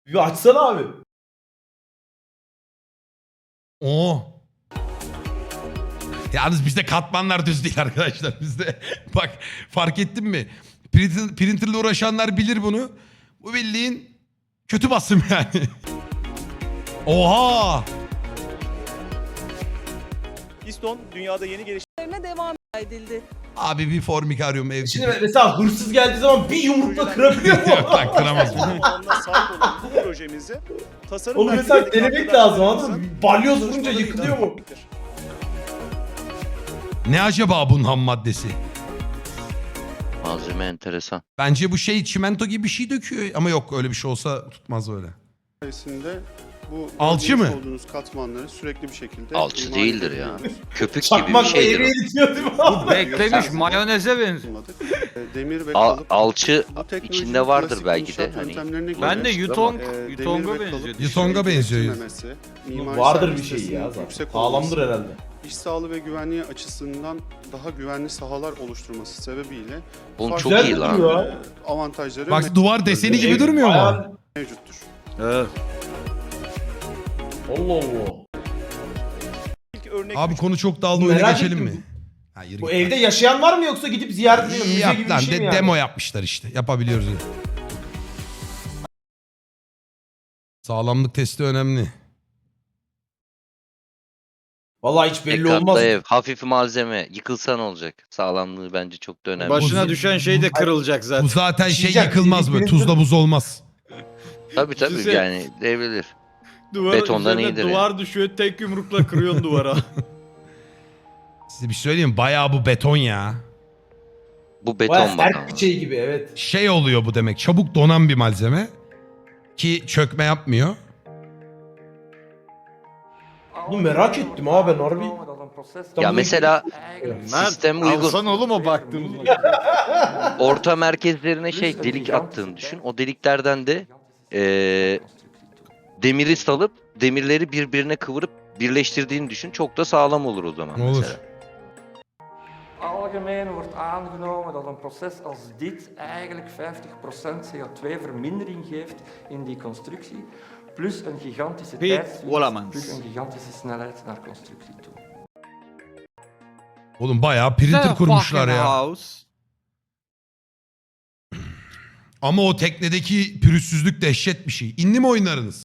Bir açsana abi. Oo. Yalnız bizde katmanlar düz değil arkadaşlar. Bizde bak fark ettin mi? Printer'la uğraşanlar bilir bunu. Bu bildiğin kötü basım yani. Oha! Piston dünyada yeni Üzerine devam edildi. Abi bir Formicarium ev Şimdi tipi. mesela hırsız geldiği zaman bir yumrukla kırabiliyor mu? Yok lan kıramaz. geliştirme sahip olan bu projemizi tasarım Oğlum mesela merkezindeki denemek lazım anladın mı? arkadaşlarımızın Balyoz vurunca çalışmalarıyla yıkılıyor mu? birliktedir. Ne acaba bunun ham maddesi? Malzeme enteresan. Bence bu şey çimento gibi bir şey döküyor. Ama yok öyle bir şey olsa tutmaz öyle. sayesinde bu Alçı görmüş mı? olduğunuz katmanları sürekli bir şekilde Alçı imal değildir ya. edebiliyoruz. Köpük gibi bir Çakmakla şeydir eriye o. itiyor değil mi abi? Beklemiş mayoneze benziyor. Kullanmadık. Demir ve kalıp. Alçı Bu teknolojinin içinde vardır klasik belki de. inşaat Hani yöntemlerine göre, Ben de Yutong, demir Yutong'a ve kalıp benziyor. Yutong'a işlerini benziyor. gerektirmemesi, mimari Vardır bir şey servisinin ya zaten. yüksek Sağlamdır olması, herhalde. İş sağlığı ve güvenliği açısından daha güvenli sahalar oluşturması sebebiyle Oğlum farklı, çok Güzel iyi lan. duruyor. Avantajları Bak duvar deseni gibi Ev durmuyor mu? bayağı- mevcuttur. Evet. Allah Allah. İlk örnek Abi konu çok dağıldı oyuna Merak geçelim ettim. mi? Ha, yürü Bu git evde lan. yaşayan var mı yoksa gidip ziyaret ediyor? İyi Müze yap gibi bir lan. şey mi yani? Demo yapmışlar işte. Yapabiliyoruz. Sağlamlık testi önemli. Vallahi hiç Tek belli katlı olmaz. ev, hafif malzeme. Yıkılsa ne olacak? Sağlamlığı bence çok da önemli. Başına Bu- düşen şey de kırılacak Bu zaten. zaten şey Şişecek, yıkılmaz böyle. birbirini- Tuzla buz olmaz. Tabii tabii Düşünsene. yani devrilir. Duvar, betondan üzerine iyidir duvar düşüyor tek yumrukla kırıyorsun duvara. Size bir şey söyleyeyim mi? Bayağı bu beton ya. Bu Bayağı beton bak sert ama. bir şey gibi evet. Şey oluyor bu demek. Çabuk donan bir malzeme. Ki çökme yapmıyor. Bunu merak ettim abi ben harbi. Ya mesela Mert sistem uygun. alsan oğlum o baktığımız. Orta merkezlerine şey delik attığını düşün. O deliklerden de demiri salıp demirleri birbirine kıvırıp birleştirdiğini düşün. Çok da sağlam olur o zaman Olur. mesela. Algemeen wordt aangenomen dat een proces als dit eigenlijk 50% CO2-vermindering geeft in die constructie, plus een gigantische Piet tijdswinst, Wollemans. plus een gigantische snelheid naar constructie toe. Oğlum bayağı printer kurmuşlar ya. House. Ama o teknedeki pürüzsüzlük dehşet bir şey. İnli mi oynarınız?